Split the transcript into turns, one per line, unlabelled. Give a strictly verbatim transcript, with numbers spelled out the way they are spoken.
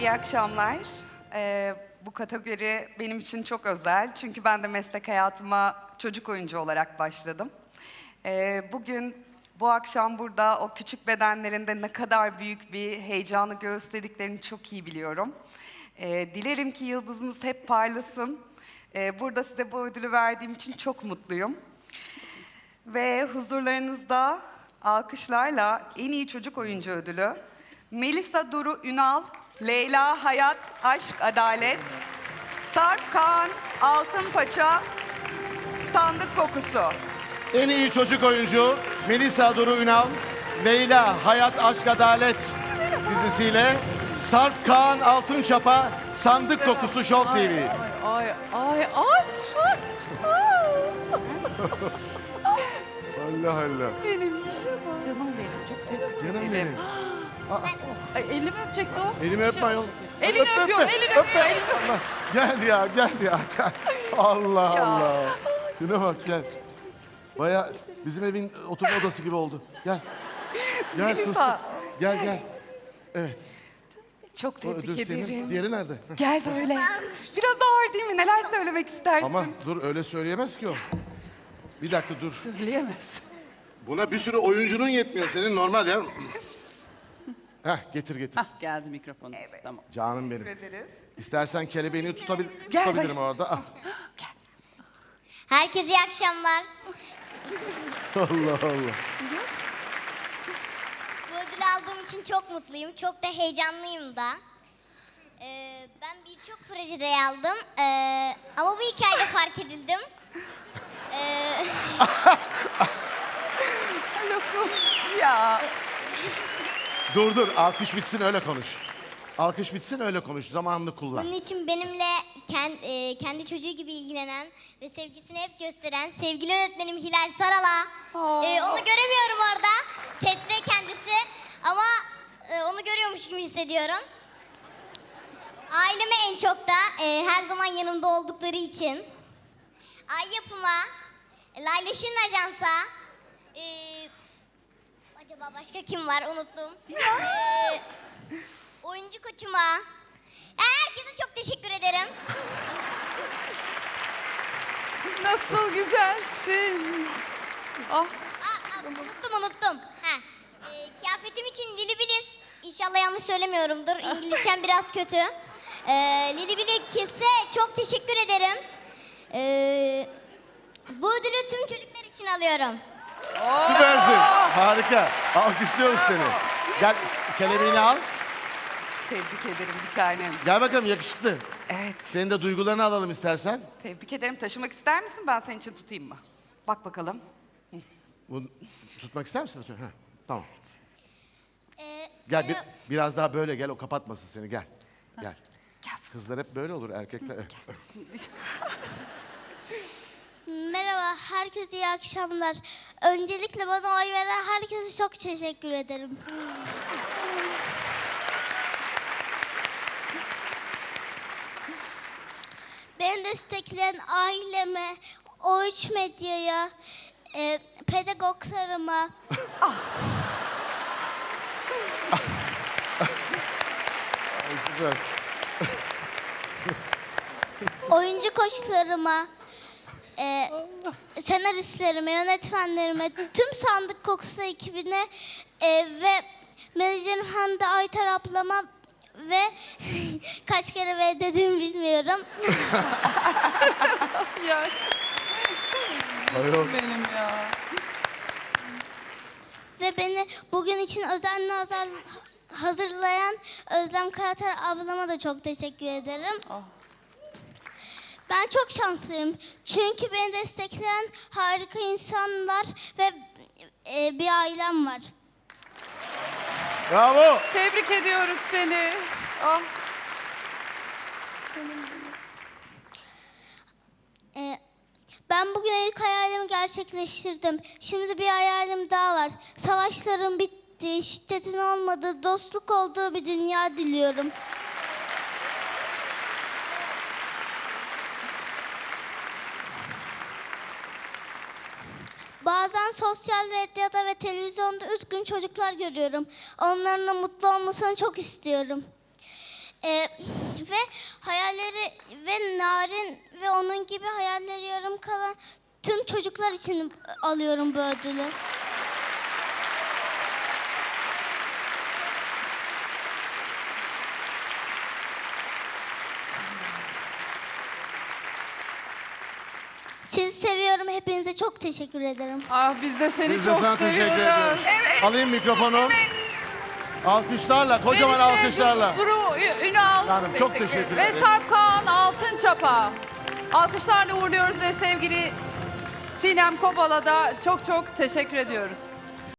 İyi akşamlar. Ee, bu kategori benim için çok özel. Çünkü ben de meslek hayatıma çocuk oyuncu olarak başladım. Ee, bugün, bu akşam burada o küçük bedenlerinde ne kadar büyük bir heyecanı gösterdiklerini çok iyi biliyorum. Ee, dilerim ki yıldızınız hep parlasın. Ee, burada size bu ödülü verdiğim için çok mutluyum. Ve huzurlarınızda alkışlarla en iyi çocuk oyuncu ödülü Melisa Duru Ünal, Leyla Hayat Aşk Adalet, Sarp Kaan Altınpaça, Sandık Kokusu.
En iyi çocuk oyuncu Melisa Duru Ünal, Leyla Hayat Aşk Adalet dizisiyle Sarp Kaan Altınçap'a Sandık Kokusu Show T V.
Ay ay ay.
Allah Allah.
Benim
Canım benim, çok tebrik
Canım
ederim.
benim. Aa,
Ay, elimi öpecekti o.
elimi öpme ayol.
Elini
Öp,
öpüyor,
öpme,
elini
öpme.
öpüyor, elini
Allah. Gel ya, gel ya. Gel. Allah
Ya.
Allah. Şuna bak gel. Baya bizim evin oturma odası gibi oldu. Gel. Gel
Melisa.
fıstık. Gel gel. Evet.
Çok
O
tebrik
ödül senin.
ederim.
Diğeri nerede?
Gel böyle. Biraz ağır değil mi? Neler söylemek istersin?
Ama dur öyle söyleyemez ki o. Bir dakika dur.
Söyleyemez.
Buna bir sürü oyuncunun yetmiyor. Senin normal ya. Heh getir getir.
Hah geldi mikrofonumuz. Tamam.
Canım benim.
Teşekkür ederiz.
İstersen kelebeğini tutabil
Gel,
tutabilirim
bak.
orada. Ah.
Herkese iyi akşamlar.
Allah Allah.
Bu ödülü aldığım için çok mutluyum. Çok da heyecanlıyım da. Ee, ben birçok projede yer aldım. Ee, ama bu hikayede fark edildim. Ee,
Lafım. Ya.
Dur dur alkış bitsin öyle konuş. Alkış bitsin öyle konuş. Zamanını kullan.
bunun için benimle kendi, e, kendi çocuğu gibi ilgilenen ve sevgisini hep gösteren sevgili öğretmenim Hilal Saral'a. Ee, onu göremiyorum orada. Sette kendisi. Ama e, onu görüyormuş gibi hissediyorum. Aileme en çok da e, her zaman yanımda oldukları için. Ay Yapım'a, Layla Şirin Ajans'a, e, acaba başka kim var unuttum. E, oyuncu koçuma, yani herkese çok teşekkür ederim.
Nasıl güzelsin. Ah.
Aa, aa, unuttum unuttum. Ha. E, kıyafetim için Lili Bilis. İnşallah yanlış söylemiyorumdur. İngilizcem biraz kötü. E, Lili Bilis'e çok teşekkür ederim. E, bu ödülü tüm çocuklar için alıyorum.
Süpersin. Harika. Alkışlıyoruz seni. Gel kelebeğini al.
Tebrik ederim bir tanem.
Gel bakalım yakışıklı.
Evet.
Senin de duygularını alalım istersen.
Tebrik ederim. Taşımak ister misin? Ben senin için tutayım mı? Bak bakalım.
Bunu tutmak ister misin? Ha, tamam.
E,
Gel bir,
merhaba-
biraz daha böyle gel o kapatmasın seni gel. Gel.
Gel.
Kızlar hep böyle olur erkekler.
Merhaba, herkese iyi akşamlar. Öncelikle bana oy veren herkese çok teşekkür ederim. Beni destekleyen aileme, O üç Medya'ya, e, pedagoglarıma,
Ay, süper.
oyuncu koçlarıma, e, senaristlerime, yönetmenlerime, tüm Sandık Kokusu ekibine e, ve menajerim Hande Aytar ablama ve kaç kere ve dediğimi bilmiyorum.
Ya
Ayol.
benim ya.
Ve beni bugün için özenle hazır, hazırlayan Özlem Karatar ablama da çok teşekkür ederim.
Ah.
Ben çok şanslıyım. Çünkü beni destekleyen harika insanlar ve e, bir ailem var.
Bravo.
Tebrik ediyoruz seni. Ah.
E, ben bugün ilk hayalimi gerçekleştirdim. Şimdi bir hayalim daha var. Savaşların bittiği, şiddetin olmadığı, dostluk olduğu bir dünya diliyorum. Bazen sosyal medyada ve televizyonda üzgün çocuklar görüyorum. Onların da mutlu olmasını çok istiyorum. Ee, ve hayalleri ve Narin ve onun gibi hayalleri yarım kalan tüm çocuklar için alıyorum bu ödülü. Sizi seviyorum. Hepinize çok teşekkür ederim.
Ah biz de seni
Biz de
çok
sana teşekkür
seviyoruz.
ediyoruz. Alayım mikrofonu. Alkışlarla, kocaman
Melis ve
alkışlarla.
Duru Ü- Ünal
Hanım çok teşekkür
ve
ederim.
Sarp Kaan Altınçap'a alkışlarla uğurluyoruz ve sevgili Sinem Kobal'a da çok çok teşekkür ediyoruz.